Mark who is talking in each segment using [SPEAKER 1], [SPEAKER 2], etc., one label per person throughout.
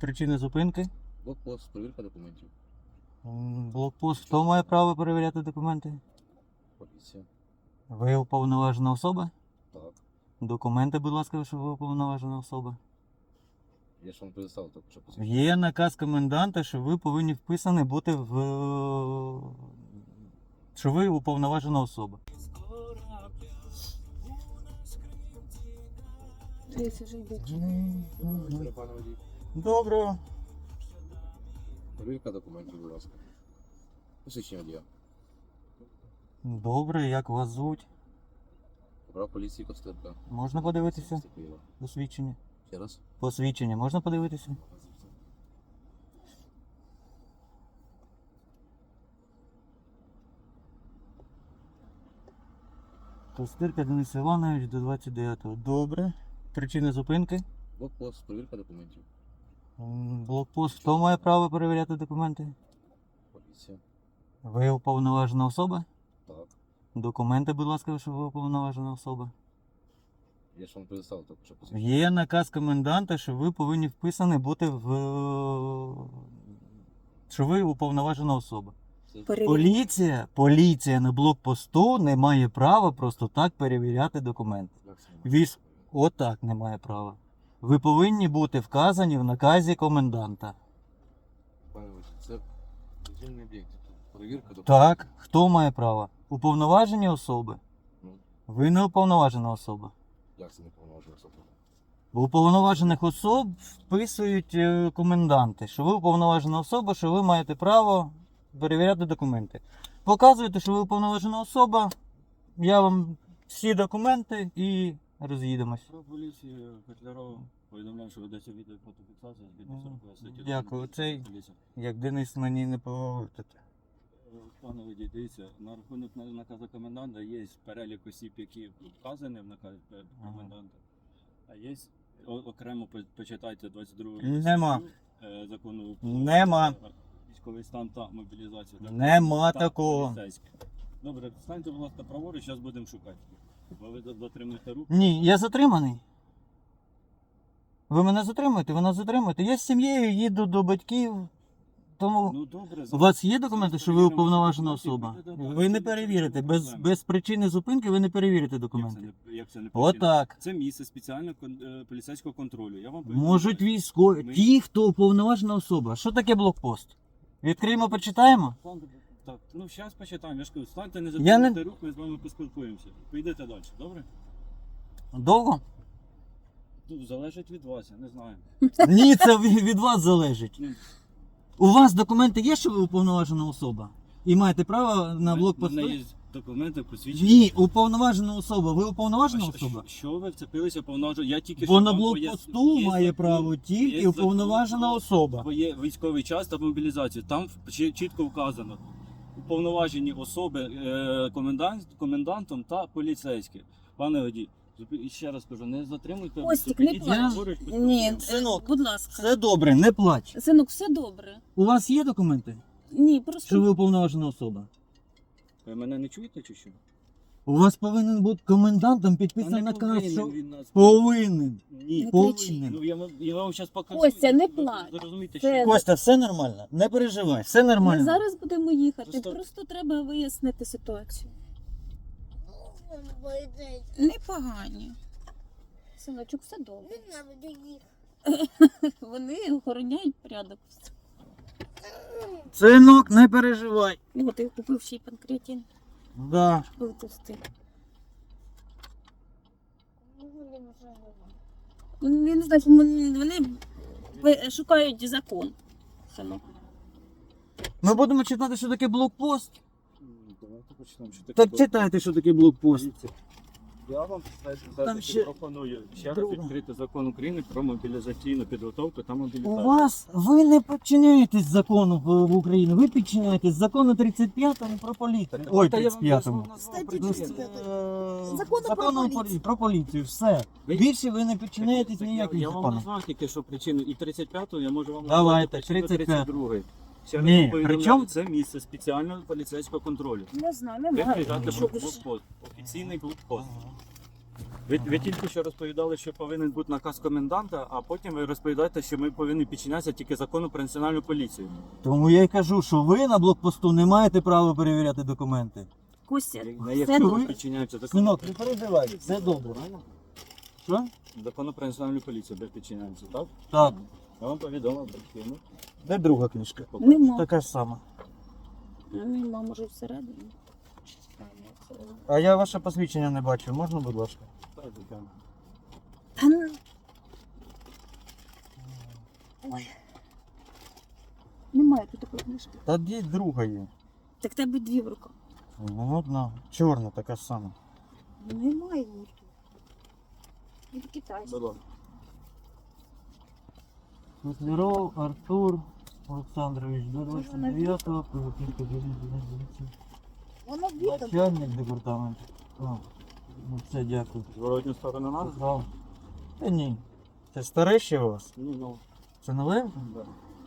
[SPEAKER 1] Причини зупинки?
[SPEAKER 2] Блокпост, перевірка документів.
[SPEAKER 1] Блокпост. Хто має право перевіряти документи?
[SPEAKER 2] Поліція.
[SPEAKER 1] Ви уповноважена особа?
[SPEAKER 2] Так.
[SPEAKER 1] Документи, будь ласка, що ви уповноважена особа.
[SPEAKER 2] Я ж вам предоставив тільки що посвідчення.
[SPEAKER 1] Є наказ коменданта, що ви повинні вписані бути в... що ви уповноважена особа.
[SPEAKER 2] Пане водій.
[SPEAKER 1] Добре.
[SPEAKER 2] Перевірка документів, будь ласка. Посвідчення водія.
[SPEAKER 1] Добре, як вас звуть?
[SPEAKER 2] Прав поліції Костенка.
[SPEAKER 1] Можна подивитися?
[SPEAKER 2] Місто Києва.
[SPEAKER 1] Посвідчення.
[SPEAKER 2] Ще раз.
[SPEAKER 1] Посвідчення можна подивитися? Костирка Денис Іванович до 29-го. Добре. Причини зупинки?
[SPEAKER 2] Блокпост, перевірка документів.
[SPEAKER 1] Блокпост. Хто має право перевіряти документи?
[SPEAKER 2] Поліція.
[SPEAKER 1] Ви уповноважена особа?
[SPEAKER 2] Так.
[SPEAKER 1] Документи, будь ласка, що ви уповноважена особа.
[SPEAKER 2] Я ж вам предоставив тільки що посвідчення.
[SPEAKER 1] Є наказ коменданта, що ви повинні вписані бути в... що ви уповноважена особа. Поліція на блокпосту не має права просто так перевіряти документи. Отак не має права. Ви повинні бути вказані в наказі коменданта.
[SPEAKER 2] Пане водій, це дозвільний об'єкт. Перевірка документів.
[SPEAKER 1] Так, хто має право? Уповноважені особи.
[SPEAKER 2] Ну,
[SPEAKER 1] Ви не уповноважена особа.
[SPEAKER 2] як це не повноважена особа?
[SPEAKER 1] У уповноважених особ вписують коменданти, що ви уповноважена особа, що ви маєте право перевіряти документи. Показуєте, що ви уповноважена особа, я вам всі документи і роз'їдемось.
[SPEAKER 3] Про поліцію Петлярова повідомляю, що ведеться відео фотофіксація згідно 40 статті.
[SPEAKER 1] Дякую. Цей-
[SPEAKER 3] Поліція.
[SPEAKER 1] Як Денис мені не поговорите.
[SPEAKER 3] Пане водій, дивіться, на рахунок наказу коменданта є перелік осіб, які вказані в наказі коменданта. А є окремо почитайте 22
[SPEAKER 1] Нема.
[SPEAKER 3] статтю, закону про
[SPEAKER 1] Нема.
[SPEAKER 3] військовий стан та мобілізацію.
[SPEAKER 1] Нема
[SPEAKER 3] Та
[SPEAKER 1] такого.
[SPEAKER 3] поліцейське. Добре, станьте, будь ласка, праворуч, зараз будемо шукати. Бо ви дотримуєте руку.
[SPEAKER 1] Ні, я затриманий. Ви мене затримуєте? Ви нас затримуєте. Я з сім'єю їду до батьків. Тому
[SPEAKER 3] Ну добре,
[SPEAKER 1] у вас є документи, що ви уповноважена особа? Ви не перевірите. Без причини зупинки ви не перевірите документи.
[SPEAKER 3] Як це не причина?
[SPEAKER 1] Отак.
[SPEAKER 3] Це місце спеціального поліцейського контролю. Я вам повідомляю.
[SPEAKER 1] Можуть військові.
[SPEAKER 3] Ми-
[SPEAKER 1] Ті, хто уповноважена особа. Що таке блокпост? Відкриємо, почитаємо?
[SPEAKER 3] Так, ну зараз почитаємо. Я ж кажу, станьте, не
[SPEAKER 1] Я
[SPEAKER 3] затримуйте
[SPEAKER 1] не-
[SPEAKER 3] рух, ми з вами поспілкуємося. Поїдете далі, добре?
[SPEAKER 1] Довго?
[SPEAKER 3] Ну, залежить від вас, я не знаю.
[SPEAKER 1] Ні, це від вас залежить.
[SPEAKER 3] Ну,
[SPEAKER 1] У вас документи є, що ви уповноважена особа? І маєте право на
[SPEAKER 3] У
[SPEAKER 1] блокпосту?
[SPEAKER 3] мене є документи, посвідчення.
[SPEAKER 1] Ні, уповноважена особа. Ви уповноважена
[SPEAKER 3] А
[SPEAKER 1] особа?
[SPEAKER 3] що ви вцепилися повноважено? Я тільки
[SPEAKER 1] Бо на
[SPEAKER 3] вам
[SPEAKER 1] блокпосту
[SPEAKER 3] є
[SPEAKER 1] має
[SPEAKER 3] закон-
[SPEAKER 1] право
[SPEAKER 3] є
[SPEAKER 1] тільки
[SPEAKER 3] закон
[SPEAKER 1] уповноважена
[SPEAKER 3] про-
[SPEAKER 1] особа.
[SPEAKER 3] Бо є військовий час та мобілізацію. Там чітко вказано. Уповноважені особи комендантом та поліцейські. Пане водій, ще раз кажу, не затримуйте.
[SPEAKER 4] Костік, не
[SPEAKER 3] зупиніться,
[SPEAKER 4] плач.
[SPEAKER 3] поруч,
[SPEAKER 4] Ні,
[SPEAKER 3] поспілкуємося.
[SPEAKER 1] Синок,
[SPEAKER 4] будь ласка.
[SPEAKER 1] Все добре, не плач.
[SPEAKER 4] Синок, все добре.
[SPEAKER 1] У вас є документи,
[SPEAKER 4] Ні, просто
[SPEAKER 1] що ви уповноважена особа?
[SPEAKER 3] Ви мене не чуєте чи що?
[SPEAKER 1] У вас повинен бути комендантом
[SPEAKER 3] Та
[SPEAKER 1] підписаний
[SPEAKER 3] не
[SPEAKER 1] наказ,
[SPEAKER 3] повинен
[SPEAKER 1] що
[SPEAKER 3] він нас-
[SPEAKER 1] повинен.
[SPEAKER 3] Ні.
[SPEAKER 4] Не
[SPEAKER 1] Повинен.
[SPEAKER 3] Ну, я вам зараз покажу.
[SPEAKER 4] Костя, не
[SPEAKER 3] Ви
[SPEAKER 4] плач.
[SPEAKER 3] зрозумієте,
[SPEAKER 4] Це-
[SPEAKER 3] що
[SPEAKER 1] Костя, все нормально, не переживай, все
[SPEAKER 4] ми
[SPEAKER 1] нормально.
[SPEAKER 4] зараз будемо їхати.
[SPEAKER 3] Просто-
[SPEAKER 4] Просто треба вияснити ситуацію. Непогані. Синочок, все добре. Вони охороняють порядок.
[SPEAKER 1] Синок, не переживай.
[SPEAKER 4] Ну, ти купив ще й панкреатин.
[SPEAKER 1] Да.
[SPEAKER 4] Витовсти. Вони не знаю, вони шукають закон. Синок.
[SPEAKER 1] Ми будемо читати, що таке блокпост.
[SPEAKER 3] Давайте почнемо. Що таке
[SPEAKER 1] Так
[SPEAKER 3] було?
[SPEAKER 1] читайте, що таке блокпост.
[SPEAKER 3] Дивіться, я вам
[SPEAKER 1] Там
[SPEAKER 3] зараз
[SPEAKER 1] ще-
[SPEAKER 3] пропоную ще раз
[SPEAKER 1] Друга.
[SPEAKER 3] відкрити закон України про мобілізаційну підготовку та
[SPEAKER 1] У
[SPEAKER 3] мобілізацію.
[SPEAKER 1] вас, ви не підчиняєтесь закону в Україні, ви підчиняєтесь закону 35-му про поліцію. Ой, 35-му. Закону про поліцію, все.
[SPEAKER 3] Ви-
[SPEAKER 1] Більше ви не підчиняєтесь ніяким
[SPEAKER 3] Я вам
[SPEAKER 1] законам.
[SPEAKER 3] назвав тільки що причину і 35-ту, я можу вам
[SPEAKER 1] Давайте,
[SPEAKER 3] назвати причину
[SPEAKER 1] 35.
[SPEAKER 3] 32-ї. Ще раз
[SPEAKER 1] Ні,
[SPEAKER 3] вам повідомляю,
[SPEAKER 1] причому-
[SPEAKER 3] це місце спеціального поліцейського контролю.
[SPEAKER 4] Не знаю,
[SPEAKER 3] Ви
[SPEAKER 4] немає.
[SPEAKER 3] приїжджаєте
[SPEAKER 1] Що
[SPEAKER 3] в блокпост, офіційний блокпост. Ви Ви тільки що розповідали, що повинен бути наказ коменданта, а потім ви розповідаєте, що ми повинні підчинятися тільки закону про національну поліцію.
[SPEAKER 1] Тому я й кажу, що ви на блокпосту не маєте права перевіряти документи.
[SPEAKER 4] Костя,
[SPEAKER 3] Не
[SPEAKER 4] все
[SPEAKER 3] якщо ви
[SPEAKER 4] добре.
[SPEAKER 3] підчиняєтеся закону,
[SPEAKER 1] Синок, не переживай, все добре. Що?
[SPEAKER 3] закону про національну поліцію, де підчиняємося, так?
[SPEAKER 1] Так.
[SPEAKER 3] Я вам повідомив, батьківну.
[SPEAKER 1] Де друга книжка?
[SPEAKER 4] Нема.
[SPEAKER 1] Така ж сама.
[SPEAKER 4] Нема, може всередині.
[SPEAKER 1] А я ваше посвідчення не бачу, можна, будь ласка?
[SPEAKER 3] Так, звичайно.
[SPEAKER 4] Та ну. Ой. Немає тут такої книжки.
[SPEAKER 1] Та де друга є?
[SPEAKER 4] Так тебе дві в руках.
[SPEAKER 1] Ну, одна. Чорна така ж сама.
[SPEAKER 4] Немає її тут. Від китайська.
[SPEAKER 3] Будь ласка.
[SPEAKER 1] Котляров Артур Олександрович до 29-го, Приватівка
[SPEAKER 4] Воно відомо.
[SPEAKER 1] начальник департаменту. О, ну все, дякую.
[SPEAKER 3] Зворотню сторону нас?
[SPEAKER 1] Сказав. Та ні. Це старе ще у вас?
[SPEAKER 3] Ні, ну.
[SPEAKER 1] Це нове?
[SPEAKER 3] Да.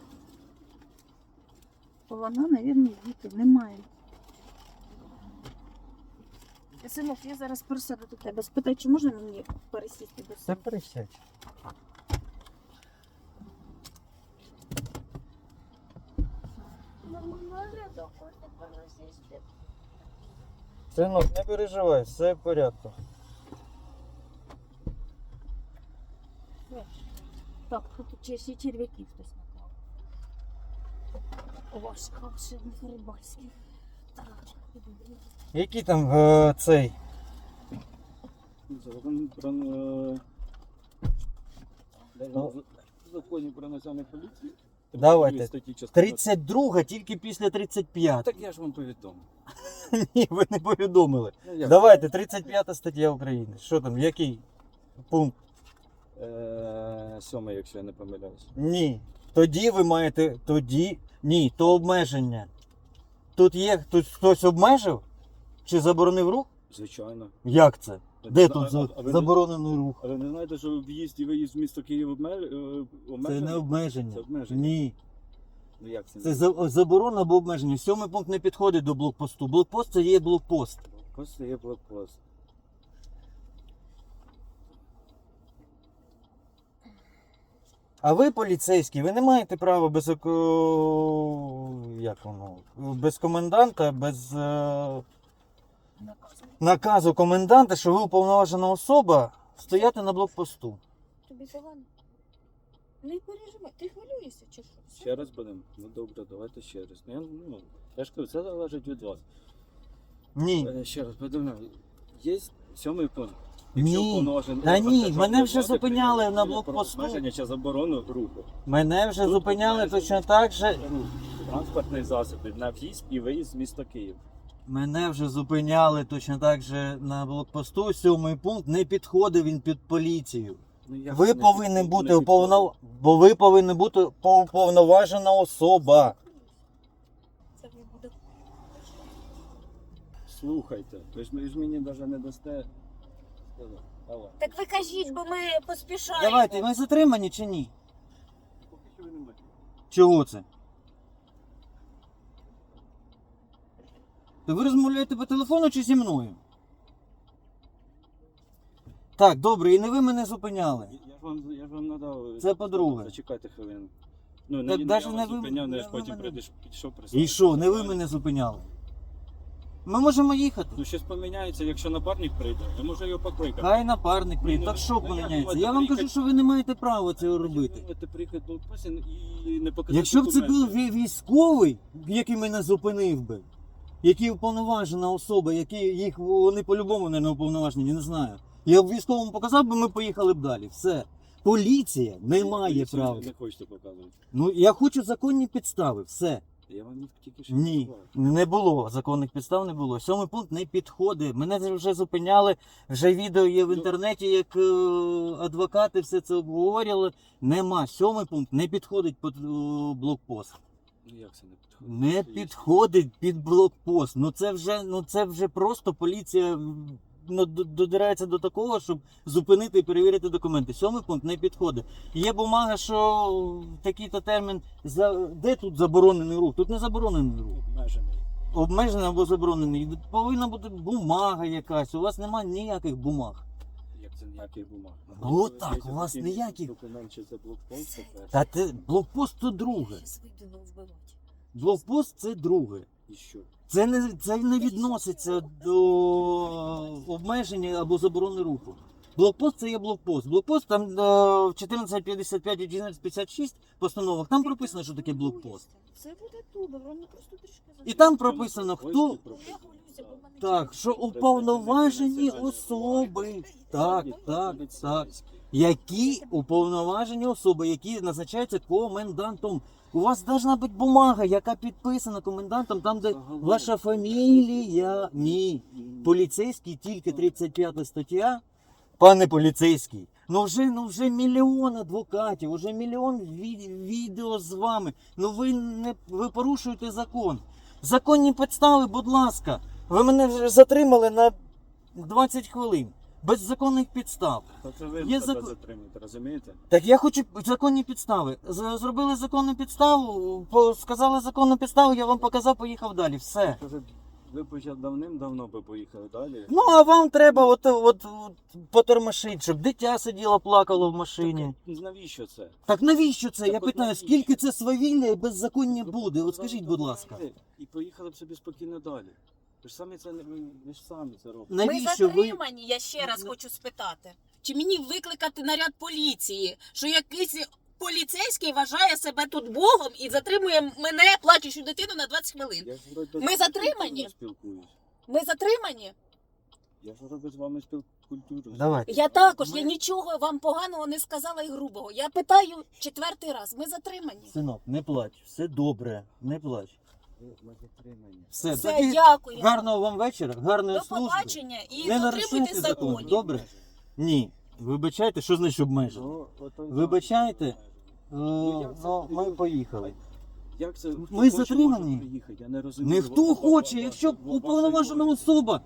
[SPEAKER 4] Вона, мабуть, діти. Немає. Синок, я зараз пересяду до тебе. Спитай, чи можна мені пересісти до
[SPEAKER 1] Це
[SPEAKER 4] себе?
[SPEAKER 1] пересядь. Синок, не переживай, все в порядку.
[SPEAKER 4] Так, тут ще черв'яків хтось наклав. О, ще не рибальський. Так,
[SPEAKER 1] Який там цей?
[SPEAKER 3] Закон про законі про національну поліцію.
[SPEAKER 1] Давайте.
[SPEAKER 3] Статті частини-
[SPEAKER 1] 32 тільки після 35.
[SPEAKER 3] Так я ж вам повідомив.
[SPEAKER 1] Ні, ви не повідомили.
[SPEAKER 3] Ну, як?
[SPEAKER 1] Давайте, 35 стаття України. Що там, який пункт?
[SPEAKER 3] 7, якщо я не помиляюсь.
[SPEAKER 1] Ні. Тоді ви маєте. Ні, то обмеження. Тут хтось обмежив? Чи заборонив рух?
[SPEAKER 3] Звичайно.
[SPEAKER 1] Як це? Де
[SPEAKER 3] А-
[SPEAKER 1] тут
[SPEAKER 3] а ви не-
[SPEAKER 1] заборонений рух?
[SPEAKER 3] Але не знаєте, що в'їзд і виїзд в місто Київ
[SPEAKER 1] Це
[SPEAKER 3] обмежений?
[SPEAKER 1] не обмеження.
[SPEAKER 3] Це обмеження.
[SPEAKER 1] Ні.
[SPEAKER 3] Ну як це?
[SPEAKER 1] Це заборона або обмеження. 7 пункт не підходить до блокпосту. Блокпост це є блокпост.
[SPEAKER 3] Блокпост є блокпост.
[SPEAKER 1] А ви, поліцейські, ви не маєте права без як воно? Без коменданта, без наказу коменданта, що ви уповноважена особа, стояти на блокпосту.
[SPEAKER 4] Тобі погано? Не переживай, ти хвилюєшся чи що?
[SPEAKER 3] Ще раз будемо? Ну добре, давайте ще раз. Я ж кажу, це залежить від вас.
[SPEAKER 1] Ні.
[SPEAKER 3] Ще раз повідомляю. Є 7 пункт.
[SPEAKER 1] Ні.
[SPEAKER 3] уповноважений
[SPEAKER 1] Та
[SPEAKER 3] орган
[SPEAKER 1] ні,
[SPEAKER 3] державної
[SPEAKER 1] мене вже
[SPEAKER 3] влади
[SPEAKER 1] зупиняли
[SPEAKER 3] прийняв
[SPEAKER 1] на
[SPEAKER 3] рішення про
[SPEAKER 1] блокпосту.
[SPEAKER 3] обмеження чи заборону руху.
[SPEAKER 1] Мене вже
[SPEAKER 3] Тут
[SPEAKER 1] зупиняли
[SPEAKER 3] обмеження
[SPEAKER 1] точно так же.
[SPEAKER 3] руху транспортних засобів на в'їзд і виїзд з міста Київ.
[SPEAKER 1] Мене вже зупиняли точно так же на блокпосту. 7 пункт не підходив він під поліцію.
[SPEAKER 3] Ну, як
[SPEAKER 1] Ви
[SPEAKER 3] це не
[SPEAKER 1] повинні
[SPEAKER 3] підходить?
[SPEAKER 1] бути
[SPEAKER 3] Не підходить.
[SPEAKER 1] бо ви повинні бути уповноважена особа.
[SPEAKER 4] Це не буде.
[SPEAKER 3] Слухайте, ви ж мені навіть не дасте. Давай.
[SPEAKER 4] Так ви кажіть, бо ми поспішаємо.
[SPEAKER 1] Давайте, ми затримані чи ні?
[SPEAKER 3] Поки що ви не маєте.
[SPEAKER 1] Чого це? То ви розмовляєте по телефону чи зі мною? Так, добре, і не ви мене зупиняли.
[SPEAKER 3] Я ж вам надав.
[SPEAKER 1] Це по-друге.
[SPEAKER 3] Зачекайте хвилину. Ну,
[SPEAKER 1] Так
[SPEAKER 3] не
[SPEAKER 1] даже
[SPEAKER 3] я
[SPEAKER 1] не
[SPEAKER 3] вас
[SPEAKER 1] ви-
[SPEAKER 3] зупиняв,
[SPEAKER 1] не
[SPEAKER 3] я ж
[SPEAKER 1] ви
[SPEAKER 3] потім
[SPEAKER 1] мене-
[SPEAKER 3] підійшов
[SPEAKER 1] І що, не ви мене зупиняли? Ми можемо їхати.
[SPEAKER 3] Ну, щось поміняється, якщо напарник прийде, я можу його покликати.
[SPEAKER 1] Хай напарник прийде.
[SPEAKER 3] Ні,
[SPEAKER 1] Так
[SPEAKER 3] ну,
[SPEAKER 1] що
[SPEAKER 3] ну, як
[SPEAKER 1] поміняється?
[SPEAKER 3] ви
[SPEAKER 1] Я вам
[SPEAKER 3] можете
[SPEAKER 1] кажу, що ви не маєте права цього робити.
[SPEAKER 3] Ви можете приїхати до Пасін і не показати
[SPEAKER 1] Якщо б це був
[SPEAKER 3] документи.
[SPEAKER 1] військовий, який мене зупинив би, який уповноважена особа, вони по-любому не уповноважені, не знаю. Я б військовому показав би, ми поїхали б далі. Все. Поліція не має
[SPEAKER 3] Поліцію
[SPEAKER 1] права.
[SPEAKER 3] Не хочете показувати.
[SPEAKER 1] Ну я хочу законні підстави. Все.
[SPEAKER 3] Я вам їх тільки що
[SPEAKER 1] Ні,
[SPEAKER 3] назвав.
[SPEAKER 1] не було законних підстав, не було. 7 пункт не підходить. Мене вже зупиняли. Вже відео є в інтернеті, як адвокати все це обговорювали. Нема. 7 пункт не підходить під блокпост.
[SPEAKER 3] Ну як це не підходить?
[SPEAKER 1] Не
[SPEAKER 3] Це є.
[SPEAKER 1] підходить під блокпост. Це вже просто поліція додирається до такого, щоб зупинити і перевірити документи. 7 пункт не підходить. Є бумага, що в такий-то термін. Де тут заборонений рух? Тут не заборонений рух.
[SPEAKER 3] Обмежений.
[SPEAKER 1] Обмежений або заборонений. Повинна бути бумага якась. У вас немає ніяких бумаг.
[SPEAKER 3] Як Це ніяких бумаг.
[SPEAKER 1] Ну так,
[SPEAKER 3] Є
[SPEAKER 1] у вас
[SPEAKER 3] такий
[SPEAKER 1] ніяких.
[SPEAKER 3] документ, чи це блокпост, по-перше.
[SPEAKER 1] Та ти блокпост то друге.
[SPEAKER 4] Щас вийду вбивати.
[SPEAKER 1] Блокпост це друге.
[SPEAKER 3] І що?
[SPEAKER 1] Це не відноситься до обмеження або заборони руху. Блокпост це є блокпост. Блокпост там в 1455 і 1456 постановах там прописано, що таке блокпост.
[SPEAKER 4] Це буде добре, воно просто трішки
[SPEAKER 1] І там прописано, хто.
[SPEAKER 4] Я хвилююся, бо в мене
[SPEAKER 1] Так, що уповноважені особи. Так, так, так. Які уповноважені особи, які назначаються комендантом. У вас должна бути бумага, яка підписана комендантом, там, де ваша фамілія. Ні. Поліцейський тільки 35 стаття. Пане поліцейський, ну вже мільйон адвокатів, вже мільйон відео з вами. Ну ви порушуєте закон. Законні підстави, будь ласка. Ви мене вже затримали на 20 хвилин. Без законних підстав.
[SPEAKER 3] Та це ви
[SPEAKER 1] Є
[SPEAKER 3] себе
[SPEAKER 1] закон-
[SPEAKER 3] затримуєте, розумієте?
[SPEAKER 1] Так я хочу законні підстави. Зробили законну підставу, сказали законну підставу, я вам показав, поїхав далі. Все.
[SPEAKER 3] Ви б вже давним-давно би поїхали далі.
[SPEAKER 1] Ну а вам треба от потормошити, щоб дитя сиділо, плакало в машині.
[SPEAKER 3] Навіщо це?
[SPEAKER 1] Так навіщо це? Я
[SPEAKER 3] Так от
[SPEAKER 1] питаю,
[SPEAKER 3] навіщо?
[SPEAKER 1] скільки це свавілля і беззаконня
[SPEAKER 3] Ви
[SPEAKER 1] буде? От
[SPEAKER 3] б
[SPEAKER 1] скажіть,
[SPEAKER 3] зараз
[SPEAKER 1] будь ласка.
[SPEAKER 3] дозвонили І поїхали б собі спокійно далі. Ви ж самі це не ви ж самі це робите.
[SPEAKER 5] Ми
[SPEAKER 1] Навіщо ви?
[SPEAKER 5] затримані, я ще раз хочу спитати. Чи мені викликати наряд поліції, що якийсь поліцейський вважає себе тут Богом і затримує мене, плачущу дитину, на 20 хвилин?
[SPEAKER 3] Я ж вроде
[SPEAKER 5] Ми
[SPEAKER 3] з
[SPEAKER 5] затримані?
[SPEAKER 3] культурою спілкуюсь.
[SPEAKER 5] Ми затримані?
[SPEAKER 3] Я ж вроде з вами культурою.
[SPEAKER 1] Давайте.
[SPEAKER 5] Я також,
[SPEAKER 1] Ми-
[SPEAKER 5] я нічого вам поганого не сказала і грубого. Я питаю 4-й раз, ми затримані.
[SPEAKER 1] Синок, не плач, все добре, не плач.
[SPEAKER 3] Ми затримані.
[SPEAKER 1] Все,
[SPEAKER 5] Все,
[SPEAKER 1] тоді
[SPEAKER 5] дякую.
[SPEAKER 1] гарного вам вечора, гарної
[SPEAKER 5] До
[SPEAKER 1] служби.
[SPEAKER 5] побачення і
[SPEAKER 1] Не
[SPEAKER 5] дотримуйтесь
[SPEAKER 1] нарушуйте закон.
[SPEAKER 5] законів.
[SPEAKER 1] Добре? Ні. Вибачайте, що значить обмежено?
[SPEAKER 3] Ну, ото-
[SPEAKER 1] Вибачайте?
[SPEAKER 3] як це?
[SPEAKER 1] Ну, ми поїхали.
[SPEAKER 3] Як це? Хто
[SPEAKER 1] Ми
[SPEAKER 3] хоче,
[SPEAKER 1] затримані?
[SPEAKER 3] може приїхати? Я не розумію.
[SPEAKER 1] Ніхто хоче, якщо уповноважена особа.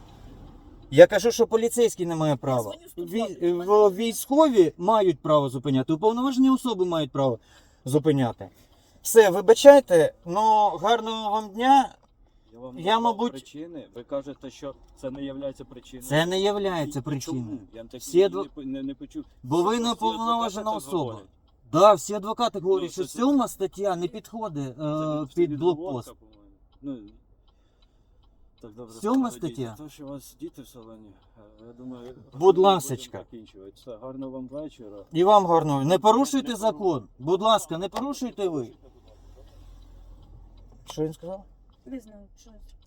[SPEAKER 1] Я кажу, що поліцейський не має права. Військові мають право зупиняти, уповноважені особи мають право зупиняти. Все, вибачайте, ну гарного вам дня.
[SPEAKER 3] вам
[SPEAKER 1] Я,
[SPEAKER 3] назвав
[SPEAKER 1] мабуть-
[SPEAKER 3] причини. Ви кажете, що це не є причиною.
[SPEAKER 1] Це не є
[SPEAKER 3] І
[SPEAKER 1] причиною.
[SPEAKER 3] чому? Я так
[SPEAKER 1] Всі адво-
[SPEAKER 3] не почув.
[SPEAKER 1] Бо ви
[SPEAKER 3] Всі
[SPEAKER 1] не
[SPEAKER 3] адвокати
[SPEAKER 1] уповноважена
[SPEAKER 3] так
[SPEAKER 1] особа.
[SPEAKER 3] говорять.
[SPEAKER 1] Да, всі адвокати говорять,
[SPEAKER 3] Ну,
[SPEAKER 1] що
[SPEAKER 3] це-
[SPEAKER 1] 7 стаття не підходить
[SPEAKER 3] Це
[SPEAKER 1] під
[SPEAKER 3] відговорка,
[SPEAKER 1] блокпост.
[SPEAKER 3] по-моєму. Ну, так добре.
[SPEAKER 1] Сьома
[SPEAKER 3] сказали,
[SPEAKER 1] стаття.
[SPEAKER 3] діти. То, що у вас діти в салоні, я думаю,
[SPEAKER 1] Будь
[SPEAKER 3] будемо
[SPEAKER 1] ласочка.
[SPEAKER 3] закінчувати. Все, гарного вам вечора.
[SPEAKER 1] І вам гарного. Не порушуйте закон. Будь ласка, не порушуйте ви. Що він сказав?
[SPEAKER 4] Не знаю, що.